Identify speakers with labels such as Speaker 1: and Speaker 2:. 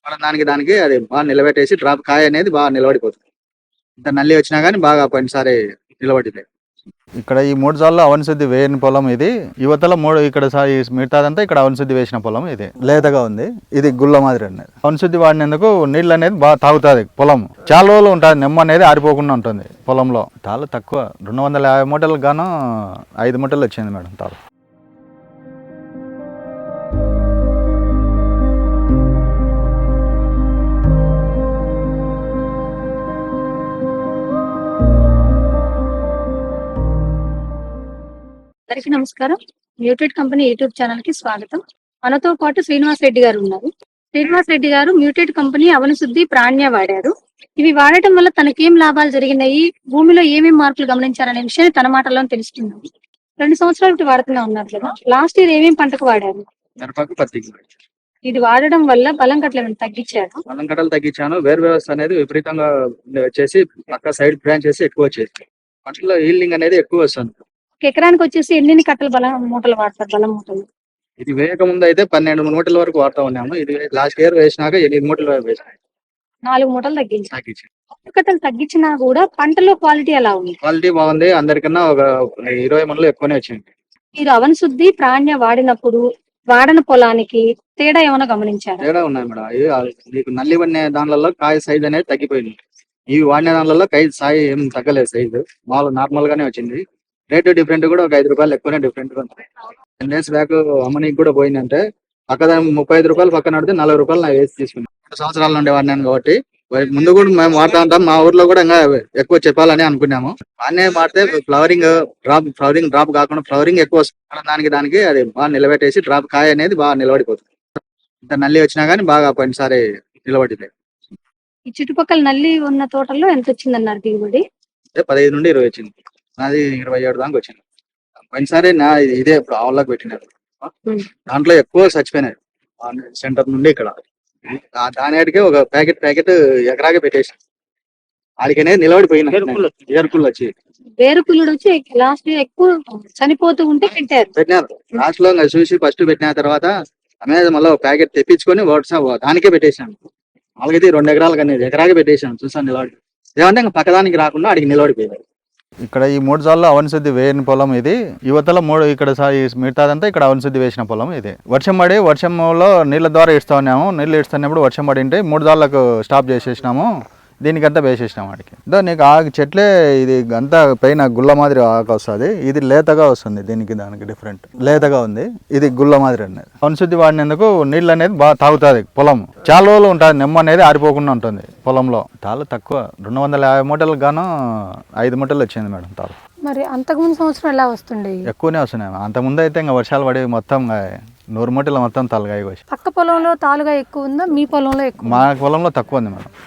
Speaker 1: దానికి అది బాగా నిలబెట్టేసి డ్రాప్ కాయ అనేది బాగా నిలబడిపోతుంది. ఇంత నల్లి వచ్చినా కానీ బాగా పోయినసారి నిలబడింది.
Speaker 2: ఇక్కడ ఈ 3 సార్లు అవనశుద్ధి వేయని పొలం ఇది. యువతల 3 ఇక్కడ మిగతాదంతా ఇక్కడ అవనశుద్ధి వేసిన పొలం ఇది. లేతగా ఉంది. ఇది గుల్ల మాదిరి అనేది. అవనశుద్ధి వాడినందుకు నీళ్ళు అనేది బాగా తాగుతుంది పొలం. చాలా రోజులు ఉంటుంది. నెమ్మ అనేది ఆరిపోకుండా ఉంటుంది పొలంలో. తాళ్ళు తక్కువ 250 మూటలకు గాను 5 మూటలు వచ్చింది మేడం తాళ్ళు.
Speaker 3: అందరికీ నమస్కారం. మ్యూటెడ్ కంపెనీ యూట్యూబ్ ఛానల్ కి స్వాగతం. మనతో పాటు శ్రీనివాస్ రెడ్డి గారు ఉన్నారు. శ్రీనివాస్ రెడ్డి గారు మ్యూటెడ్ కంపెనీ అవనశుద్ధి ప్రాణ్య వాడారు. ఇవి వాడటం వల్ల తనకేం లాభాలు జరిగినాయి, భూమిలో ఏమేమి మార్పులు గమనించారనే విషయాన్ని తన మాటల్లో తెలుసుకుందాం. 2 సంవత్సరాలు వాడుతూనే ఉన్నారు కదా, లాస్ట్ ఇయర్ ఏమేమి పంటకు వాడారు? ఇది వాడడం వల్ల బలం కట్టలు ఏమైనా తగ్గించారు?
Speaker 1: బలం కట్టలు తగ్గించాను. వేరు వ్యవస్థ అనేది విపరీతంగా వచ్చేసి పక్క సైడ్ బ్రాంచ్ చేసి ఎక్కువ వచ్చేసి పంటలో హీల్డింగ్ అనేది ఎక్కువ వస్తుంది.
Speaker 3: ఎకరానికి వచ్చేసి ఎన్ని కట్టలు బలం మూటలు వాడతారు? బలం మూటలు
Speaker 1: ఇది వేయక ముందు అయితే 12 మూటల వరకు వాడుతూ ఉన్నాము. ఇది లాస్ట్ ఇయర్ వేసినాక 8 మూటలు వేసినాయి.
Speaker 3: 4 మూటలు తగ్గించారు. కట్టలు తగ్గించినా కూడా పంటలో క్వాలిటీ ఎలా ఉంది?
Speaker 1: క్వాలిటీ బాగుంది. అందరికన్నా ఒక 20 మనలు ఎక్కువనే వచ్చింది.
Speaker 3: మీరు అవనశుద్ధి ప్రాణ్య వాడినప్పుడు వాడన పొలానికి తేడా ఏమైనా గమనించారు?
Speaker 1: తేడా ఉన్నాయి మేడం. మీకు నల్లి పడిన దానిలో కాయ సైజ్ అనేది తగ్గిపోయింది. ఇవి వాడిన దానిలో కాయ సాయి ఏం తగ్గలేదు. సైజు మామూలు నార్మల్ గానే వచ్చింది. రేటు డిఫరెంట్ కూడా ఒక 5 రూపాయలు ఎక్కువనే డిఫరెంట్ గా ఉంది. 10 డేస్ బ్యాక్ అమ్మనికి కూడా పోయిందంటే పక్కన 35 రూపాయలు పక్కన పడితే 40 రూపాయలు నాకు వేసి తీసుకున్నాను. 2 సంవత్సరాల నుండి వాడినాను కాబట్టి ముందు కూడా మేము వాడుతూ ఉంటాం. మా ఊర్లో కూడా ఇంకా ఎక్కువ చెప్పాలని అనుకున్నాము. వాడినే వాడితే ఫ్లవరింగ్ డ్రాప్ కాకుండా ఫ్లవరింగ్ ఎక్కువ వస్తుంది. దానికి అది బాగా నిలబెట్టేసి డ్రాప్ కాయ అనేది బాగా నిలబడిపోతుంది. ఇంత నల్లి వచ్చినా కానీ బాగా పోయినసారి నిలబడింది.
Speaker 3: ఈ చుట్టుపక్కల నల్లి ఉన్న తోటల్లో ఎంత వచ్చిందన్నారు దిగుబడి?
Speaker 1: 15 నుండి 20 వచ్చింది. నాది 27 దాకా వచ్చింది. పోయినసారి ఇదే ఇప్పుడు ఆవులకు పెట్టినారు. దాంట్లో ఎక్కువ చచ్చిపోయినాయి. సెంటర్ నుండి ఇక్కడ దానికి ఒక ప్యాకెట్ ఎకరాగా పెట్టేసాం. ఆడికనేది నిలబడిపోయినాయి. ఏరుకుళ్ళు వచ్చి
Speaker 3: వేరుకుళ్ళు వచ్చి లాస్ట్ ఎక్కువ చనిపోతూ ఉంటే
Speaker 1: పెట్టినారు. లాస్ట్ లో చూసి ఫస్ట్ పెట్టిన తర్వాత అనేది మళ్ళీ ప్యాకెట్ తెప్పించుకొని దానికే పెట్టేసాను. వాళ్ళకైతే 2 ఎకరాలకు అనేది ఎకరాగా పెట్టేసాను. చూసాను నిలబడి ఏమంటే ఇంకా పక్కదానికి రాకుండా అడిగి నిలబడిపోయారు.
Speaker 2: ఇక్కడ ఈ 3 సార్లు అవనశుద్ధి వేయని పొలం ఇది. యువతల 3 ఇక్కడ మిగతాదంతా ఇక్కడ అవనశుద్ధి వేసిన పొలం ఇది. వర్షంలో నీళ్ళ ద్వారా ఇస్తా ఉన్నాము. నీళ్ళు ఇస్తున్నప్పుడు వర్షం పడి ఉంటే 3 సార్లకు స్టాప్ చేసేసినాము. దీనికంతా వేసేసినాం వాడికి. నీకు ఆకు చెట్లే ఇది అంతా పైన గుల్ల మాదిరి ఆకు వస్తుంది. ఇది లేతగా వస్తుంది. దానికి డిఫరెంట్ లేతగా ఉంది. ఇది గుల్ల మాదిరి అనేది. అవనశుద్ధి వాడినందుకు నీళ్ళు అనేది బాగా తాగుతుంది పొలం. చాలా రోజులు ఉంటుంది. నెమ్మ అనేది ఆరిపోకుండా ఉంటుంది పొలంలో. తాళ్ళు తక్కువ 250 మూటలకు గాను 5 మూటలు వచ్చింది మేడం తాళ్ళు.
Speaker 3: మరి అంతకుముందు సంవత్సరం ఎలా వస్తుండే?
Speaker 2: ఎక్కువనే వస్తున్నాయి. అంతకుముందు అయితే ఇంకా వర్షాలు పడి మొత్తం 100 మూటలు మొత్తం తాలుగాయ కోసి.
Speaker 3: పక్క పొలంలో తాలుగా ఎక్కువ ఉందా, మీ పొలంలో ఎక్కువ?
Speaker 2: మా పొలంలో తక్కువ ఉంది మేడం.